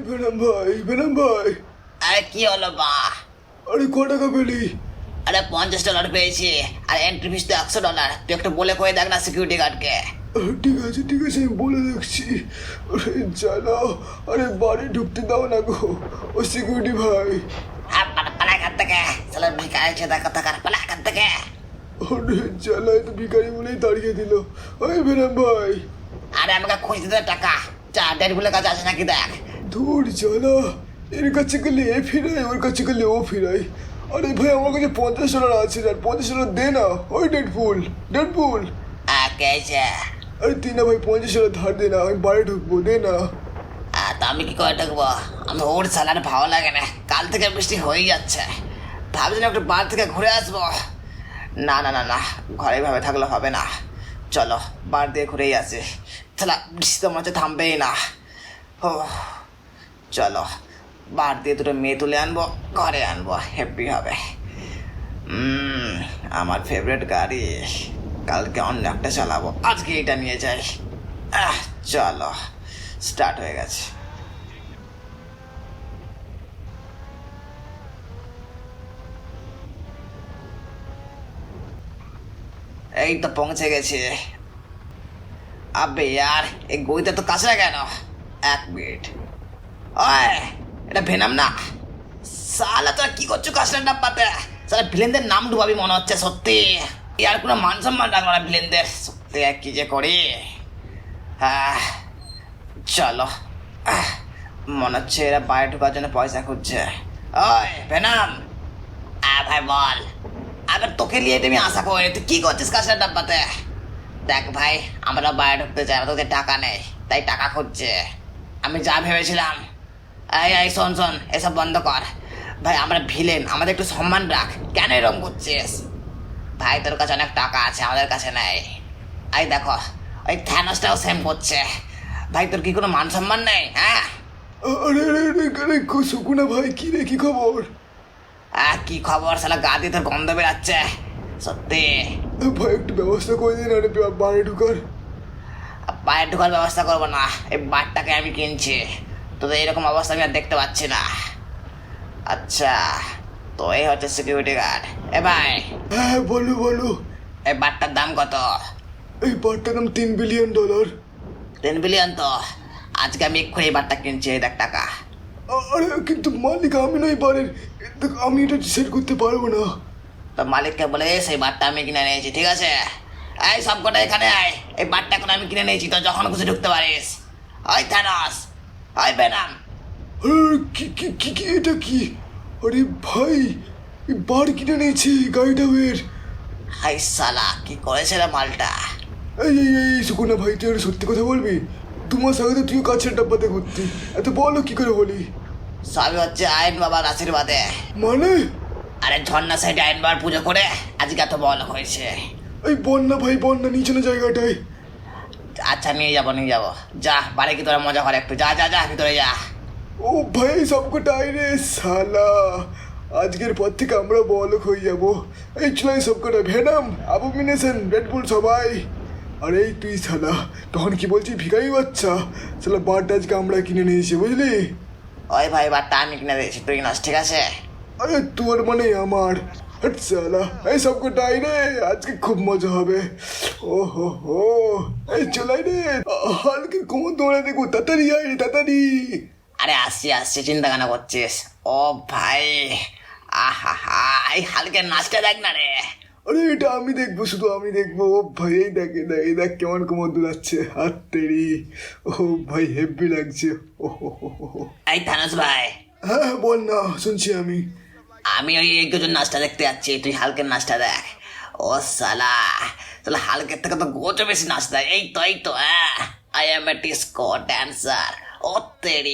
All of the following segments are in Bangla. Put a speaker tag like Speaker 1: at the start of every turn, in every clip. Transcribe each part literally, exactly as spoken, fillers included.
Speaker 1: বেনাম ভাই, বেনাম ভাই।
Speaker 2: আরে কি হলো মা?
Speaker 1: আরে ক টাকা পেলি?
Speaker 2: আরে পঞ্চাশ ডলার পেয়েছি, আর এন্ট্রি ফিস তো একশো ডলার। তুই একটু বলে কয়ে দেখ না সিকিউরিটি গার্ডকে।
Speaker 1: আহ, ঠিক আছে ঠিক আছে, আমি বলে দেখছি। আরে জানো, আরে বাড়ি ঢুকতে দাও না গো, ও সিকিউরিটি ভাই।
Speaker 2: হ্যাঁ, পালা পালা এখান থেকে। চলো ভিকারি ছেদা কথা কার, পালা এখান থেকে।
Speaker 1: আরে জ্বালায় তো ভিখারি বলেই দাঁড়িয়ে দিল। ওই বেনাম ভাই।
Speaker 2: আরে আমাকে খুঁজতে দে টাকা। চা ডেট গুলোর কাছে আছে নাকি দেখ।
Speaker 1: ধুর জ্বালা, এর কাছে গেলে এ ফিরাই, ওর কাছে গেলে ও ফিরাই। আরে ভাই আমার কাছে পঞ্চাশ ডলার আছে, আর পঞ্চাশ ডলার দে না। ওই ডেড ফুল, ডেড ফুল।
Speaker 2: কে আছে?
Speaker 1: আরে তুই না ভাই পঞ্চাশ ডলার ধার দে না, আমি বাড়ি ঢুকবো, দে না।
Speaker 2: তা আমি কি করে থাকবো? আমি ওর স্যালার ভালো লাগে না, কাল থেকে বৃষ্টি হয়েই যাচ্ছে। ভাবছিলাম একটু বার থেকে ঘুরে আসবো। না না না না, ঘরে ভাবে থাকলে হবে না। চলো বার দিয়ে ঘুরেই আসি। তাহলে বৃষ্টি তো মনে হচ্ছে থামবেই না। ও চলো, বার দিয়ে দুটো মেয়ে তুলে আনবো, ঘরে আনবো, হ্যাপি হবে। হুম, আমার ফেভারিট গাড়ি। কালকে অন্য একটা চালাবো, আজকে এটা নিয়ে যাই। আহ চলো, স্টার্ট হয়ে গেছে। এই তো পৌঁছে গেছি। আবে यार, এই গইটা তো কাছে কেন? এক মিনিট। ওই, এটা ভেনাম না? সালা তোরা কি করছো কাশলার ডাব্বাতে? সালা ভিলেনদের নাম ডুবাবি মনে হচ্ছে সত্যি। ইয়ার কোনো মান সম্মান রাখলো না ভিলেনদের, সত্যি আর কি যে করি। হ্যাঁ চলো। আহ, মনে হচ্ছে এরা বাইরে ঢোকার জন্য পয়সা খুঁজছে। ওই ভেনাম, আহ ভাই বল। আবার তোকে নিয়ে তুমি আশা করি, তুই কি করছিস কাশলার ডাব্বাতে? দেখ ভাই, আমরা বাইরে ঢুকতে চাই, তোদের টাকা নেই, তাই টাকা খুঁজছে। আমি যা ভেবেছিলাম। এই এই শোন শোন, এসব বন্ধ কর। ভাই আমরা ভিলেন, আমাদের একটু সম্মান রাখ। কেন এরকম করছিস? ভাই তোর কাছে অনেক টাকা আছে, আমাদের কাছে নেই। এই দেখো, ওই থ্যানোসটাও সেম করছে। ভাই তোর কি কোনো মান সম্মান নেই? হ্যাঁ
Speaker 1: আরে আরে আরে আরে সুকুনা ভাই, কি রে, কি খবর?
Speaker 2: আহ কি খবর? শালা গা দিয়ে তোর গন্ধ বেরাচ্ছে সত্যি।
Speaker 1: ভাই একটু ব্যবস্থা করে দিন, আরে বাড়ি ঢুকার।
Speaker 2: বাইরে ঢোকার ব্যবস্থা করবো না, এই বারটাকে আমি কিনছি। তোদের এরকম অবস্থা আমি আর দেখতে পাচ্ছি না। আচ্ছা, তো এই হচ্ছে সিকিউরিটি গার্ড। এ ভাই,
Speaker 1: হ্যাঁ বলো বলো।
Speaker 2: এই বারটার দাম কত?
Speaker 1: এই বারটার দাম তিন বিলিয়ন ডলার।
Speaker 2: তিন বিলিয়ন তো? আজকে আমি এক্ষুনি এই বারটা কিনছি, এই দেখ টাকা।
Speaker 1: আরে কিন্তু মালিক আমি নই বারের, দেখ আমি এটা ডিসাইড করতে পারবো না।
Speaker 2: তো মালিককে বলে সেই বারটা আমি কিনে নিয়েছি, ঠিক আছে? এই সব কটা এখানে আয়, এই বারটা এখন আমি কিনে নিয়েছি, তো যখন খুশি ঢুকতে পারিস। ওই থানোস, ওই বেনাম।
Speaker 1: আরে কি কি কি কি এটা কি? আরে ভাই, এই বার কিনে নিয়েছি, গাড়িটা বের।
Speaker 2: হাই সালা, কি করেছে রে মালটা?
Speaker 1: এই এই এই সুকুনা ভাই, তুই একটা সত্যি কথা বলবি? দু মাস আগে তো তুই কাছের ডাব্বাতে ঘুরতি, এত বলো কি করে বলি?
Speaker 2: সবই হচ্ছে আইন বাবার আশীর্বাদে।
Speaker 1: মানে?
Speaker 2: আরে ঝর্ণা সাইডে আইন বাবার পুজো করে আজকে এত বল হয়েছে।
Speaker 1: এই বন্যা ভাই, বন্যা নিচে না জায়গাটায়।
Speaker 2: আচ্ছা নিয়ে যাবো নিয়ে যাবো, যা বাড়ি কি তোরা মজা করে একটু, যা যা যা ভিতরে যা।
Speaker 1: ও ভাই সবকটাই রে সালা, আজকের পর থেকে আমরা বলক হয়ে যাবো। এই চলাই সবকটা, ভেনাম, অ্যাবোমিনেশন, রেডবুল সবাই। আর এই তুই সালা তখন কি বলছিস ভিখারি বাচ্চা? সালা বারটা আজকে আমরা কিনে নিয়েছি, বুঝলি?
Speaker 2: ওই ভাই বারটা আমি কিনে দিয়েছি, তুই নাস, ঠিক আছে?
Speaker 1: আরে তোর মানে আমার। হাট সালা, এই সবকটাই রে, আজকে খুব মজা হবে। ও হো হো, এই চলাই রে, হালকে কোমর দৌড়ে দেখো, তাড়াতাড়ি আয় রে, তাড়াতাড়ি।
Speaker 2: আরে আসছি আসছি, চিন্তা কেন করছিস? ও ভাই, আহা হা, এই হালকে নাচটা দেখ না রে।
Speaker 1: আরে এটা আমি দেখবো, শুধু আমি দেখবো। ও ভাই এই দেখ, এই দেখ, এই দেখ কেমন কোমর দুলাচ্ছে, হাত তেরি। ও ভাই হেভি লাগছে। ও হো হো হো হো।
Speaker 2: এই থানোস ভাই,
Speaker 1: হ্যাঁ হ্যাঁ, বল না, শুনছি আমি।
Speaker 2: আমি ওই একজন নাচটা দেখতে যাচ্ছি, তুই হালকের নাচটা দেখ। ও সালা, তাহলে হালকের থেকে তো গোচো বেশি নাচ দেয়। এই তো এই তো, হ্যাঁ, I am a disco dancer. ও তেরি,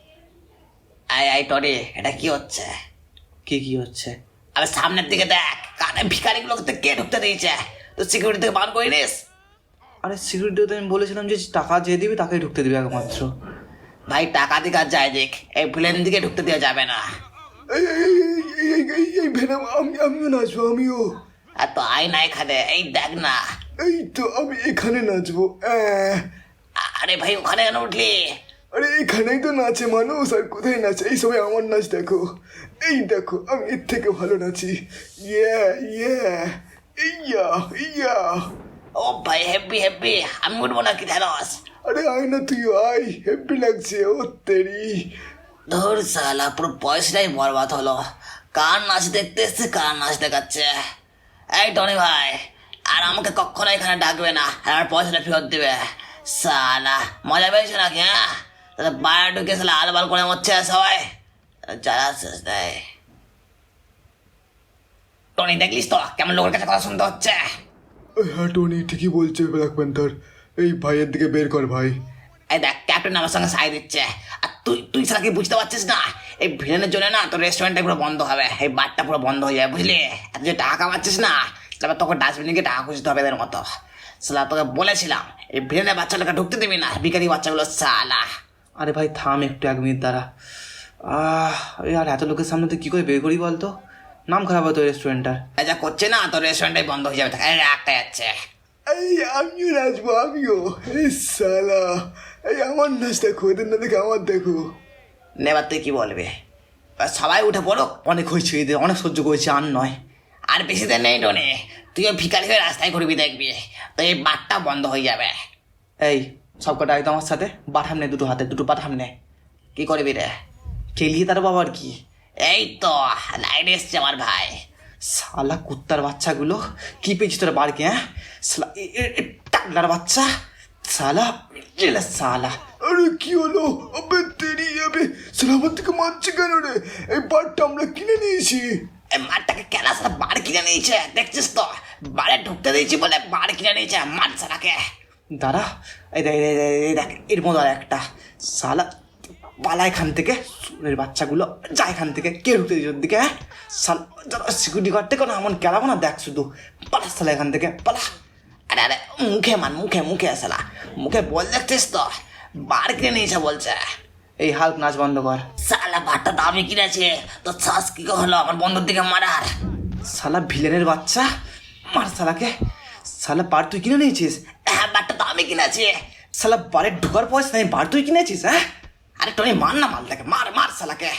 Speaker 2: আই আই টরি, এটা কি হচ্ছে?
Speaker 3: কি কি হচ্ছে?
Speaker 2: আরে সামনের দিকে দেখ, কানে ভিখারিগুলোকে কে ঢুকতে দিয়েছে? তো সিকিউরিটি থেকে বার করে নিস।
Speaker 3: আরে সিকিউরিটি তো আমি বলেছিলাম যে টাকা যে দিবি তাকেই ঢুকতে দিবি একমাত্র।
Speaker 2: ভাই টাকা দিকে আর যায় দেখ, এই ভিলেন দিকে ঢুকতে দেওয়া যাবে না।
Speaker 1: এই এই এই এই এই এই ভেনাম, আমি আমিও নাচবো, আমিও।
Speaker 2: আর তো আয় না এখানে, এই দেখ না।
Speaker 1: এই তো আমি এখানে নাচবো। আহ,
Speaker 2: আরে ভাই ওখানে কেন উঠলি?
Speaker 1: আরে এখানেই তো নাচে মানুষ, আর কোথায় নাচে? এই সবাই আমার নাচ দেখো, এই দেখো আমি এর থেকে ভালো নাচি। ইয়া ইয়া ইয়া ইয়া।
Speaker 2: ও ভাই হেব্বি হেব্বি, আমি উঠবো না কি ঢেঁড়স?
Speaker 1: আরে আয় না তুই আয়, হেব্বি লাগছে। ও তেরি,
Speaker 2: ধর সালা, পুরো পয়সাটাই বরবাদ হলো। কার নাচ দেখতে এসছে, কার নাচ দেখাচ্ছে। এই টনি ভাই, আর আমাকে কখনো এখানে ডাকবে না, আর আমার পয়সাটা ফেরত দেবে। সালা মজা পেয়েছে নাকি? হ্যাঁ, তাহলে বাইরে ঢুকে সালা আলবাল করে মরছে সবাই। যারা শেষ দেয়। টনি দেখলিস তো কেমন লোকের কাছে কথা শুনতে হচ্ছে?
Speaker 1: হ্যাঁ টনি ঠিকই বলছে ব্ল্যাক প্যান্থার। এই ভাইয়ের দিকে বের কর ভাই।
Speaker 2: এই দেখ, ক্যাপ্টেন আমার সঙ্গে সাই দিচ্ছে, আর তুই তুই সারা কি বুঝতে পারছিস না? এই ভিলেনের জন্য না তোর রেস্টুরেন্টটা পুরো বন্ধ হবে, এই বারটা পুরো বন্ধ হয়ে যাবে, বুঝলি? আর যে টাকা কামাচ্ছিস না, তারপর তোকে ডাস্টবিনে গিয়ে টাকা খুঁজতে হবে এদের মতো। সালা তোকে বলেছিলাম এই ভিলেনের বাচ্চাটাকে ঢুকতে দিবি না, ভিখারি বাচ্চাগুলো সালা।
Speaker 3: আরে ভাই থাম একটু, এক মিনিট দাঁড়া। আহ এই আর এত লোকের সামনে তুই কী করে বের করি বলতো? নাম খারাপ হতো রেস্টুরেন্টটার।
Speaker 2: এই যা করছে না, তোর রেস্টুরেন্টটাই বন্ধ হয়ে যাবে। এই একটা যাচ্ছে।
Speaker 1: এই আমিও নাচবো, আমিও। এই সালা, এই আমার নাচ দেখো, এদের না দেখে আমার দেখো।
Speaker 2: নেবার তুই কি বলবি? এবার সবাই উঠে পড়ো।
Speaker 3: অনেক হয়েছে এদের, অনেক সহ্য করেছি, আর নয়।
Speaker 2: আর বেশি দিন নেই টনি, তুইও ভিখারি হয়ে রাস্তায় ঘুরবি, দেখবি তো এই বারটা বন্ধ হয়ে যাবে।
Speaker 3: এই সব কটা একদম আমার সাথে বাঠাম নে, দুটো হাতে দুটো বাঠাম নে।
Speaker 2: কি করবি রে?
Speaker 3: খেলিয়ে তার বাবা আর কি।
Speaker 2: এই তো লাইট এসছে আমার ভাই।
Speaker 3: শালা কুত্তার বাচ্চাগুলো, কি পেয়েছি তোরা বাড়কে? হ্যাঁ শালা এ- এ- এ টাকলার বাচ্চা, শালা এলা শালা।
Speaker 1: আরে কি হলো? আবে তেরি, আবে সালা আমার থেকে মারছে কেন রে? এই বারটা আমরা কিনে নিয়েছি।
Speaker 2: এই মারটাকে কেনা সারা বার কিনে নিয়েছে, দেখছিস তো? বারে ঢুকতে দিয়েছি বলে বার কিনে নিয়েছে, মার সারাকে।
Speaker 3: দাঁড়া, এই দেখ এই দেখ, এই দেখ, এই দেখ এর মতো আর একটা শালা পালা এখান থেকে, সুরের বাচ্চাগুলো যা এখান থেকে। কে ঢুকতে দিয়েছে ওর দিকে? হ্যাঁ শালা সিকিউরিটি গার্ড থেকে না এমন কেলাবো না, দেখ শুধু পালা শালা এখান থেকে পালা।
Speaker 2: আরে আরে মুখে মান, মুখে মুখে সালা, মুখে বল, দেখছিস তো? বার কিনে নিয়েছে বলছে।
Speaker 3: এই হাল্ক নাচ বন্ধ কর।
Speaker 2: সালা বারটা দামি কিনেছে, তো শ্বাস কি করে হলো আমার বন্ধুর দিকে মারার?
Speaker 3: শালা ভিলেনের বাচ্চা, মার শালাকে। শালা বার তুই কিনে নিয়েছিস?
Speaker 2: হ্যাঁ, বারটা দামি কিনেছে।
Speaker 3: শালা বারে ঢোকার পয়সা নেই, বার তুই কিনেছিস? হ্যাঁ
Speaker 2: আরে টনি মার না, মালটাকে মার, মার সালাকে।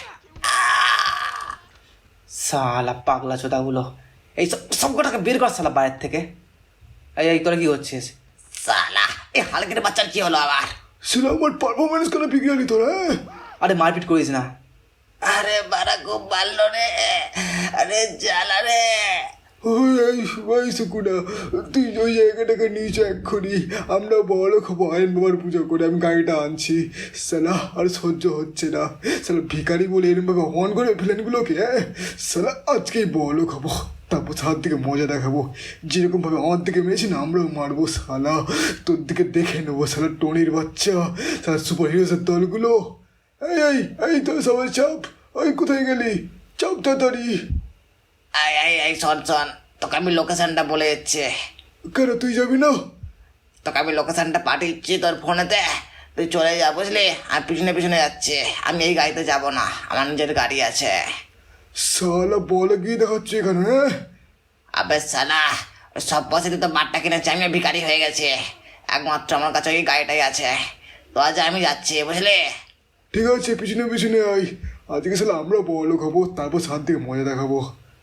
Speaker 3: শালা পাগলা চোদাগুলো, এই সব সব কটাকে বের কর শালা বাইরের থেকে। এই এই তোরা কি করছিস?
Speaker 2: সালা এই হালকের বাচ্চার কি হলো আবার?
Speaker 1: সালা আমার পারফরমেন্স করে বিগড়ালি তোরা।
Speaker 3: আরে মারপিট করিস না।
Speaker 2: আরে বারা খুব ভালো রে, আরে জ্বালা রে।
Speaker 1: ওই এই ভাই সুকুনা, তুই ওই জায়গাটাকে নিয়েছো এক্ষুনি। আমরা বড় খাবো, আয়ন বাবার পুজো করে আমি গাড়িটা আনছি। সালা আর সহ্য হচ্ছে না। সালা ভিখারি বলে এরমভাবে অন করে ফেলেনগুলোকে। হ্যাঁ সালা আজকেই বড় খাবো, তারপর সার দিকে মজা দেখাবো। যেরকমভাবে আমার দিকে মেরেছি না, আমরাও মারবো। সালা তোর দিকে দেখে নেবো সালা টনির বাচ্চা, সালা সুপার হিরোসের দলগুলো। এই এই এই তো সবাই চাপ। ওই কোথায় গেলি? চাপ তাড়াতাড়ি।
Speaker 2: আই আই আই শোন শোন, তোকে আমি লোকেশনটা বলে দিচ্ছি।
Speaker 1: কেন তুই যাবি না?
Speaker 2: তোকে আমি লোকেশনটা পাঠিয়েছি তোর ফোনেতে, তুই চলে যা, বুঝলি? আর পিছনে পিছনে যাচ্ছে, আমি এই গাড়িতে যাব না, আমার নিজের গাড়ি আছে।
Speaker 1: সালা বলে গিয়ে দেখাচ্ছে এখানে। হ্যাঁ
Speaker 2: আবে সালা, ওই সব পয়সা দিয়ে তো বারটা কিনেছি, আমি ভিখারি হয়ে গেছি। একমাত্র আমার কাছে ওই গাড়িটাই আছে, তো আজ আমি যাচ্ছি, বুঝলি?
Speaker 1: ঠিক আছে, পিছনে পিছনে আয়। আজকে সালা আমরা বড় খাবো, তারপর সাত দিকে মজা দেখাবো।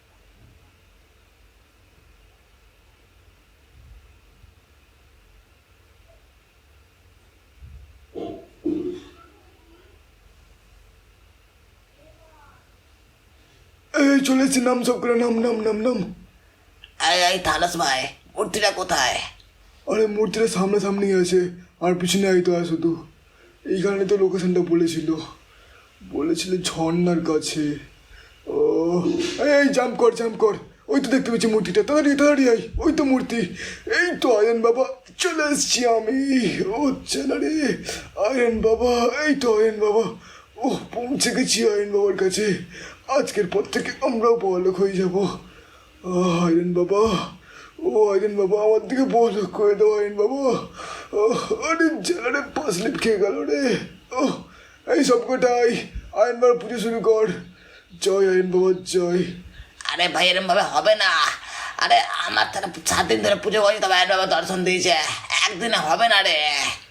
Speaker 1: এই চলে এসছি, নাম সব করে, নাম নাম নাম নাম।
Speaker 2: এই এই থালাস ভাই, মূর্তিটা কোথায়?
Speaker 1: আরে মূর্তিটা সামনে সামনেই আছে, আর পিছনে আই তো আর শুধু। এইখানে তো লোকেশনটা বলেছিল, বলেছিল ঝর্নার কাছে। ও এই এই জাম্প কর জাম্প কর, ওই তো দেখতে পেয়েছি মূর্তিটা। তাড়াতাড়ি তাড়াতাড়ি আই, ওই তো মূর্তি। এই তো আয়ন বাবা, চলে এসছি আমি। ও চলে রে আয়ন বাবা, এই তো আয়ন বাবা। ও পৌঁছে গেছি আয়ন বাবার কাছে। আজকের পর থেকে আমরাও বড়লোক হয়ে যাবো। আহ, আয়ন বাবা, ও আয়ন বাবা আমার দিকে বড়লোক করে দাও আয়ন বাবা। ও আরে জেলারে পাঁচ লিপ খেয়ে গেল রে। ও এই সব কটাই আয়ন বাবার পুজো শুরু কর। জয় আয়ন বাবা জয়।
Speaker 2: আরে ভাই এরম ভাবে হবে না। আরে আমার তারা সাত দিন ধরে পুজো করি, তবে আয়ন বাবা দর্শন দিয়েছে, একদিনে হবে না রে।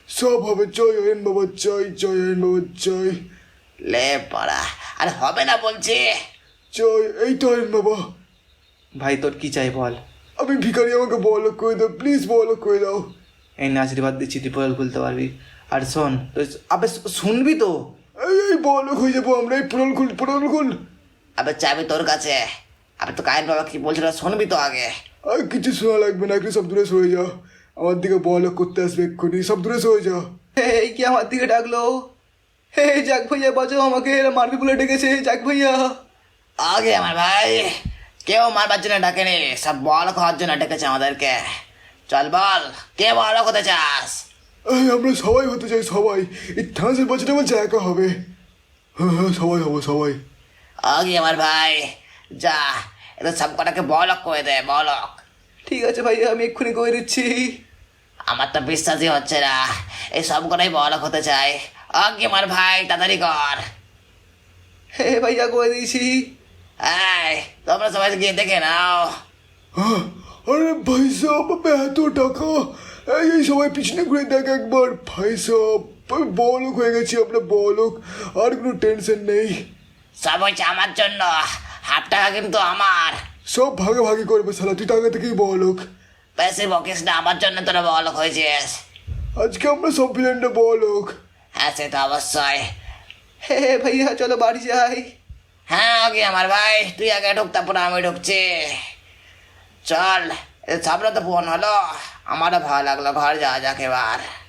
Speaker 1: সব হবে, জয় আইন বাবা জয়, জয় আইন বাবা জয়,
Speaker 2: লে পড়া, আর হবে না বলছি।
Speaker 1: জয়। এই তো আইন বাবা।
Speaker 3: ভাই তোর কি চাই বল।
Speaker 1: আমি ভিখারি, আমাকে বড়লোক করে দাও প্লিজ, বড়লোক করে দাও।
Speaker 3: এই না আশীর্বাদ দিচ্ছি তুই পোল খুলতে পারবি। আর শোন তুই আবে শুনবি তো।
Speaker 1: এই এই বড়লোক হয়ে যাবো আমরা, এই পোড়াল খুল, পোড়াল খুল।
Speaker 2: আবে চাবি তোর কাছে, আবে তো কায়েন বাবা কি বলছিল শুনবি তো আগে।
Speaker 1: আর কিছু শোনা লাগবে না, একটু সব দূরে সরে যাও, আমার দিকে বড়লোক করতে আসবে এক্ষুনি, সব দূরে সরে যাও।
Speaker 3: এই কি আমার দিকে ডাকলো? হে যাক ভাইয়া বাঁচাও আমাকে, এরা মারবি বলে ডেকেছে, যাক ভাইয়া।
Speaker 2: আগে আমার ভাই, কেউ মারবার জন্য ডাকেনি, সব বল খাওয়ার জন্য ডেকেছে আমাদেরকে। চল বল, কে বল হতে চাস?
Speaker 1: এই আমরা সবাই হতে চাই, সবাই। এই থানাসের বাচ্চাটা আমার একা হবে। হ্যাঁ হ্যাঁ সবাই হবো, সবাই।
Speaker 2: আগে আমার ভাই, যা এটা সব কটাকে বলক করে দে, বলক।
Speaker 3: ঠিক আছে ভাইয়া, আমি এক্ষুনি করে দিচ্ছি।
Speaker 2: আমার তো বিশ্বাসই হচ্ছে না, এই সব কটাই বলক হতে চাই। আগে আমার ভাই তাড়াতাড়ি কর।
Speaker 3: হে ভাইয়া করে দিয়েছি।
Speaker 2: এই তোমরা সবাই গিয়ে দেখে নাও।
Speaker 1: হ্যাঁ, আরে ভাই সাহেব, এত টাকা! এই এই সবাই পিছনে ঘুরে দেখ একবার, ভাই সাহেব বড়লোক হয়ে গেছি আমরা, বড়লোক, আর কোনো টেনশন নেই।
Speaker 2: সব হচ্ছে আমার জন্য, হাফ টাকা কিন্তু আমার।
Speaker 1: সব ভাগে ভাগে করবে শালা, তুই তো আগে থেকেই বড়লোক।
Speaker 2: বেশি বকিস না, আমার জন্য তোরা বলক হয়েছিস।
Speaker 1: আজকে আমরা সব ভিলেনটা বড়লোক।
Speaker 2: হ্যাঁ সে তো অবশ্যই।
Speaker 3: হে ভাইয়া চলো বাড়ি যাই।
Speaker 2: হ্যাঁ আগে আমার ভাই, তুই আগে ঢুক, তারপর আমি ঢুকছি। চল, সামনে তো ফোন হলো, আমারও ভালো লাগলো, ঘর যাওয়া যাক এবার।